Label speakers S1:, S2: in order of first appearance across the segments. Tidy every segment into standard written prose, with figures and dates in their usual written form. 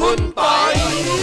S1: คุณปอย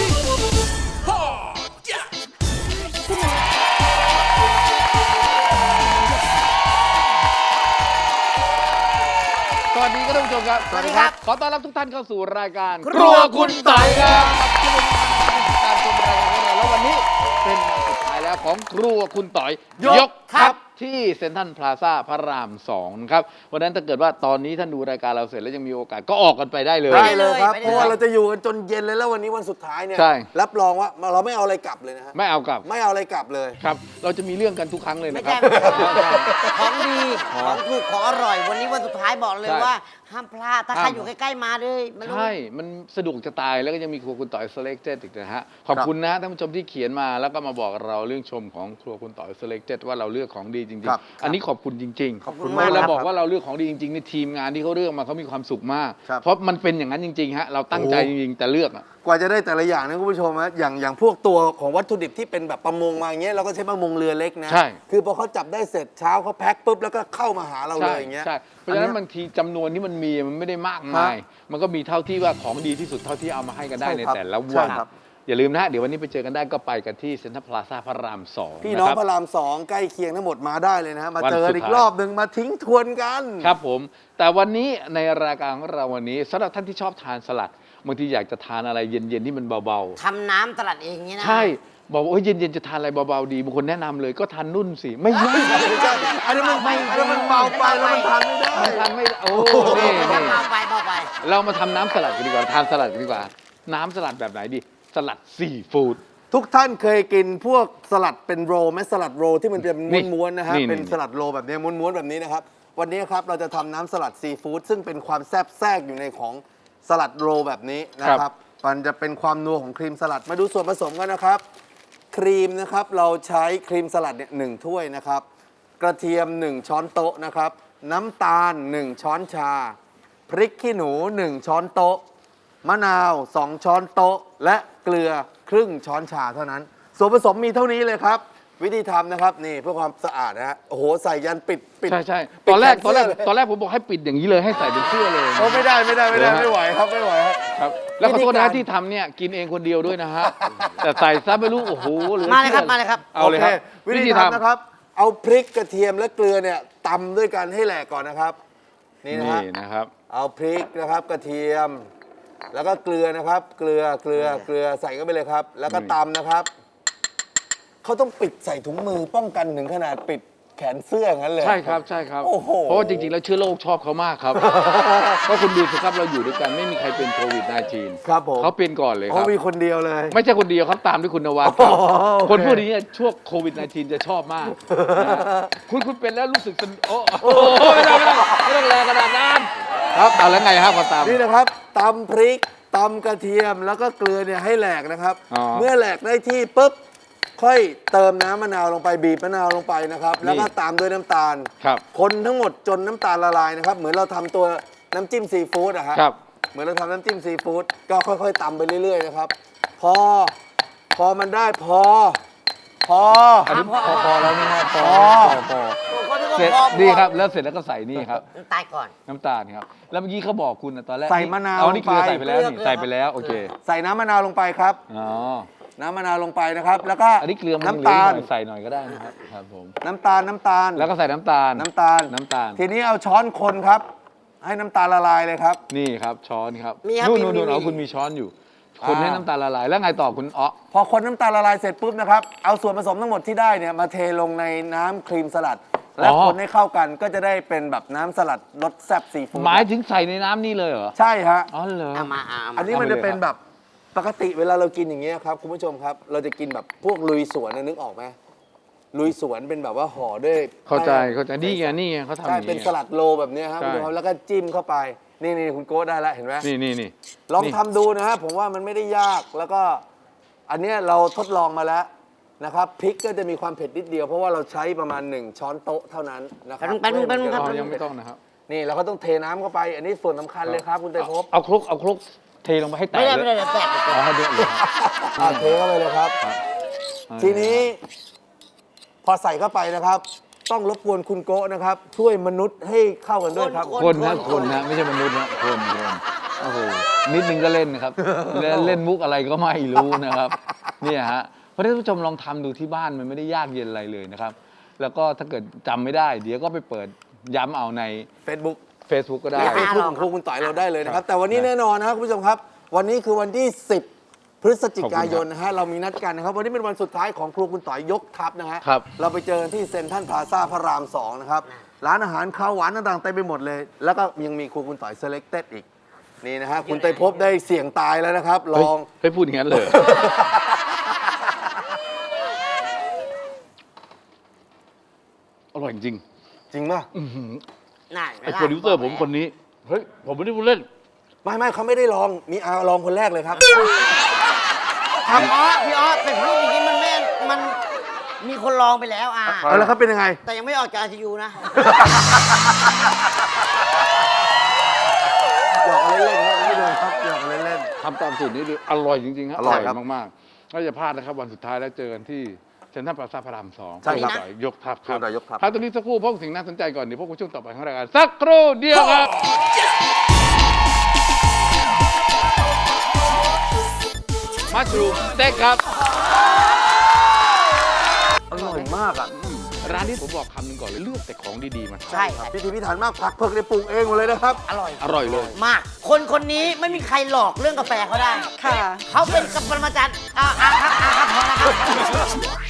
S1: สวัสดีครับท่านผู้ชมครับสวัสดีครับขอต้อนรับทุกท่านเข้าสู่รายการครัวคุณปอยครับที่เป็นการชมรายการของเราแล้ววันนี้เป็นวันสุดท้ายแล้วของครัวคุณต่อยยกครับที่เซ็นทรัลพลาซ่าพระราม2ครับวันนั้นถ้าเกิดว่าตอนนี้ท่านดูรายการเราเสร็จแล้วยังมีโอกาสก็ออกกันไปได้เลย
S2: ได้เลยครับเพราะว่าเราจะอยู่กันจนเย็นเลยแล้ววันนี้วันสุดท้ายเนี่ยรับรองว่าเราไม่เอาอะไรกลับเลยนะฮะ
S1: ไม่เอากลับ
S2: ไม่เอาอะไรกลับเลย
S1: ครับเราจะมีเรื่องกันทุกครั้งเลยนะครับ
S3: ของดีของถูกของอร่อยวันนี้วันสุดท้ายบอกเลยว่าห้ามพลาดถ้าใครอยู่ใกล้ๆมาเลย
S1: ใช่มันสะดวกจะตายแล้วก็ยังมีครัวคุณต่อย Selected อีกนะฮะขอบคุณนะท่านผู้ชมที่เขียนมาแล้วก็มาบอกเราเรื่องชมของครัวคุณต่อย Selected ว่าเราเลือกของดีจริงๆอันนี้ขอบคุณจริงๆขอบคุณมากเราบอกว่าเราเลือกของดีจริงๆในทีมงานที่เขาเลือกมาเขามีความสุขมากเพราะมันเป็นอย่างนั้นจริงๆฮะเราตั้งใจจริงๆแต่เลือก
S2: กว่าจะได้แต่ละอย่างนะคุณผู้ชมนะอย่างพวกตัวของวัตถุดิบที่เป็นแบบประมงมาอย่างเงี้ยเราก็ใช้ประมงเรือเล็กนะคือพอเขาจับได้เสร็จเช้าเขาแพ็คปุ๊บแล้วก็เข้ามาหาเราเลยอย่างเงี้ย
S1: เพราะฉะนั้นบางทีจำนวนที่มันมีมันไม่ได้มากมายมันก็มีเท่าที่ว่าของดีที่สุดเท่าที่เอามาให้กันได้ในแต่ละวันอย่าลืมนะเดี๋ยววันนี้ไปเจอกันได้ก็ไปกันที่เซ็นทรัลพลาซ่าพระราม2
S2: พี่น้องพระราม2ใกล้เคียงทั้งหมดมาได้เลยนะฮะมาเจออีกรอบหนึ่งมาทิ้งทวนกัน
S1: ครับผมแต่วันนี้ในรายการของเราวันนี้สำหรับท่านที่ชอบทานสลัดบางทีอยากจะทานอะไรเย็นๆที่มันเบา
S3: ๆทำน้ำสลัดเองเนี่ยนะ
S1: ใช่บอกว่าเย็นๆจะทานอะไรเบาๆดีบางคนแนะนำเลยก็ทานนุ่นสิไม่ใช่
S2: อันนี้มันเบาไปแล้วมันทานไม่ได้
S1: ทานไม่โอ้นี่
S3: เบาไป
S1: เรามาทำน้ำสลัดกันดีกว่าทานสลัดกันดีกว่าน้ำสลัดแบบไหนดีสลัดซีฟู้ด
S2: ทุกท่านเคยกินพวกสลัดเป็นโรลไหมสลัดโรลที่มันเป็นม้วนๆนะฮะเป็นสลัดโรลแบบนี้ม้วนๆแบบนี้นะครับวันนี้ครับเราจะทำน้ำสลัดซีฟู้ดซึ่งเป็นความแซ่บแทรกอยู่ในของสลัดโรลแบบนี้นะครับมันจะเป็นความนัวของครีมสลัดมาดูส่วนผสมกันนะครับครีมนะครับเราใช้ครีมสลัดเนี่ย1 ถ้วยนะครับกระเทียม1 ช้อนโต๊ะนะครับน้ำตาล1 ช้อนชาพริกขี้หนู1 ช้อนโต๊ะมะนาว2 ช้อนโต๊ะและเกลือครึ่งช้อนชาเท่านั้นส่วนผสมมีเท่านี้เลยครับวิธีทำนะครับนี่เพื่อความสะอาดนะฮะโอ้โหใส่ยันปิด
S1: ใช่ตอนแรกผมบอกให้ปิดอย่างนี้เลยให้ใส่เป็นเสื้อเลย
S2: โอ้ไม่ได้ไม่ไหวครับไม่ไหว
S1: ครับแล้วขอโทษนะที่ทำเนี่ยกินเองคนเดียวด้วยนะฮะแต่ใส่ซะไม่รู้โอ้โห
S3: มาเลยครับ
S1: เอาเลยครับ
S2: วิธีทำนะครับเอาพริกกระเทียมและเกลือเนี่ยตำด้วยกันให้แหลกก่อนนะครับนี่
S1: นะครับ
S2: เอาพริกนะครับกระเทียมแล้วก็เกลือนะครับเกลือใส่เข้าไปเลยครับแล้วก็ตำนะครับเขาต้องปิดใส่ถุงมือป้องกันถึงขนาดปิดแขนเสื้องั้นเลย
S1: ใช่ครับโอ้โหเพราะว่าจริงๆแล้วเชื้อโรคชอบเขามากครับเพราะคุณดูสิครับเราอยู่ด้วยกันไม่มีใครเป็นโควิด -19
S2: ครับผม
S1: เขาเป็นก่อนเลยครับ
S2: เขามีคนเดียวเลย
S1: ไม่ใช่คนเดียวเขาตามด้วยคุณนวัดคนพวกนี้ช่วงโควิด -19 จะชอบมากคุณเป็นแล้วรู้สึกโอ้ไม่ต้องแรงขนาดนั้นครับเอาแล้วไงครับพอตาม
S2: นี่นะครับตำพริกตำกระเทียมแล้วก็เกลือเนี่ยให้แหลกนะครับเมื่อแหลกได้ที่ปุ๊บค่อยเติมน้ำมะนาวลงไปบีบมะนาวลงไปนะครับแล้วก็ตามด้วยน้ำตาลคนทั้งหมดจนน้ำตาลละลายนะครับเหมือนเราทำตัวน้ำจิ้มซีฟู้ดอะครับเหมือนเราทำน้ำจิ้มซีฟู้ดก็ค่อยๆตำไปเรื่อยๆนะครับพอมันได้พอ
S1: แล้วนี่ฮะพอเสร็จดีครับแล้วเสร็จแล้วก็ใส่นี่ครับ
S3: น้ำตาลก่อน
S1: น้ำตาลครับแล้วเมื่อกี้เขาบอกคุณตอนแรก
S2: ใส่มะนาว
S1: เอานี่เกลือใส่ไปแล้วนี่ใส่ไปแล้วโอเค
S2: ใส่น้ำมะนาวลงไปครับน้ำมะนาวลงไปนะครับแล้วก็
S1: อันนี้เกลือน้ำตาลใส่หน่อยก็ได้นะครับครับผม
S2: น้ำตาล
S1: แล้วก็ใส่น้ำตาล
S2: ทีนี้เอาช้อนคนครับให้น้ำตาลละลายเลยครับ
S1: นี่ครับช้อนครับนู่นเอาคุณมีช้อนอยู่คนให้น้ำตาลละลายแล้วไงต่อคุณ
S2: พอคนน้ำตาลละลายเสร็จปุ๊บนะครับเอาส่วนผสมทั้งหมดที่ได้เนี่ยมาเทลงในน้ำครีมสลัดแล้วคนให้เข้ากันก็จะได้เป็นแบบน้ำสลัดรสแซ่บซีฟู้ด
S1: หมายถึงใส่ในน้ำนี่เลยเหรอ
S2: ใช่ฮะ
S1: อ๋อเหรอ
S2: อันนี้มันจะเป็นแบบปกติเวลาเรากินอย่างเงี้ยครับคุณผู้ชมครับเราจะกินแบบพวกลุยสวนนึกออกไหมลุยสวนเป็นแบบว่าห่อด้วย
S1: เข้าใจนี่ไงเขาทำอย่างนี้
S2: ใช่เป็นสลัดโลแบบนี้ครับคุณผู้ชมแล้วก็จิ้มเข้าไปนี่คุณโก้ได้แล้วเห็นไหม
S1: นี่
S2: ลองทำดูนะฮะผมว่ามันไม่ได้ยากแล้วก็อันนี้เราทดลองมาแล้วนะครับพริกก็จะมีความเผ็ดนิดเดียวเพราะว่าเราใช้ประมาณ1 ช้อนโต๊ะเท่านั้นนะครับ
S1: ยังไม่ต้องนะครับ
S2: นี่เราก็ต้องเทน้ำเข้าไปอันนี้ส่วนสำคัญเลยครับคุณเตยภพ
S1: เอาคลุกเทลงไปให้แตก
S3: ไม่ได้แตก
S1: ให้เดือดเลย
S2: เทเข้าไปเลยครับทีนี้พอใส่เข้าไปนะครับต้องรบกวนคุณโก้นะครับช่วยมนุษย์ให้เข้ากันด้วยครับ
S1: คนนะไม่ใช่มนุษย์นะคนโอ้โหนิดนึงก็เล่นนะครับ เล่นมุกอะไรก็ไม่รู้นะครับเนี่ยฮะเพราะฉะนั้นท่านผู้ชมลองทำดูที่บ้านมันไม่ได้ยากเย็นอะไรเลยนะครับ แล้วก็ถ้าเกิดจำไม่ได้ เดี๋ยวก็ไปเปิดย้ำเอาใน
S2: Facebook
S1: ก็ได้
S2: ใน Facebook ของครูคุณต่อยเราได้เลยนะครับ แต่วันนี้แน่นอนนะครับคุณผู้ชมครับ วันนี้คือวันที่ 10 พฤศจิกายนนะฮะเรามีนัดกันนะครับ วันนี้เป็นวันสุดท้ายของครูคุณต่อยยกทัพนะฮะ
S1: ครับ
S2: เราไปเจอกันที่เซ็นทรัลพลาซ่าพระราม 2 นะครับ ร้านอาหารข้าวหวานต่างๆเต็มไปหมดเลย แล้วก็ยังมีครูคุณต่อย selected อีกนี่นะฮะคุณไตรภพได้เสี่ยงตายแล้วนะครับลอง
S1: เฮ้ยพูดอย่างนั้นเลย อร่อยจริง
S2: จริงป่ะ
S3: น่า
S1: ไอ้โปรดิวเซอร์ผมคนนี้ เฮ้ย ผมไม่ได้พูดเล่น
S2: ไม่เขาไม่ได้ลองมีอาลองคนแรกเลยครับ
S3: พี่ออสเป็นพูดอย่างนี้มันมีคนลองไปแล้ว
S2: เอาแล้วครับเป็นยังไง
S3: แต่ยังไม่ออกจาก ICU นะ
S2: หยอกเล่นๆครับคุณผู้ชมครับหยอกเล่น
S1: ทำตามสูตรนี้ดูอร่อยจริงๆครับ
S2: อร่อยครับ
S1: มากๆก็อย่าพลาดนะครับ วันสุดท้ายแล้วเจอกันที่เซ็นทรัลพลาซ่าพระราม 2
S2: ใช่ครับ
S1: ณต่อยยกทัพครับ
S2: คุณต่อยยกทัพ
S1: พักตรงนี้สักครู่พบกับสิ่งน่าสนใจก่อนเดี๋ยวพบกับช่วงต่อไปของรายการสักครู่เดียวครับมัชรูมสเต็กครับ
S2: อร่อยมากอ่ะ
S1: ร้านนี้ผมบอกคำหนึ่งก่อนเลยเลือกแต่ของดีๆมา
S3: ใช่ครับ
S2: พิธีพิถันมากผักเผือกในปรุงเองหมดเลยนะครับ
S3: อร่อย
S1: อร่อยเลย
S3: มาก คนนี้ไม่มีใครหลอกเรื่องกาแฟเขาได้
S4: ค่ะ
S3: เขาเป็นปรมาจารย์ครับพอแล้วครับ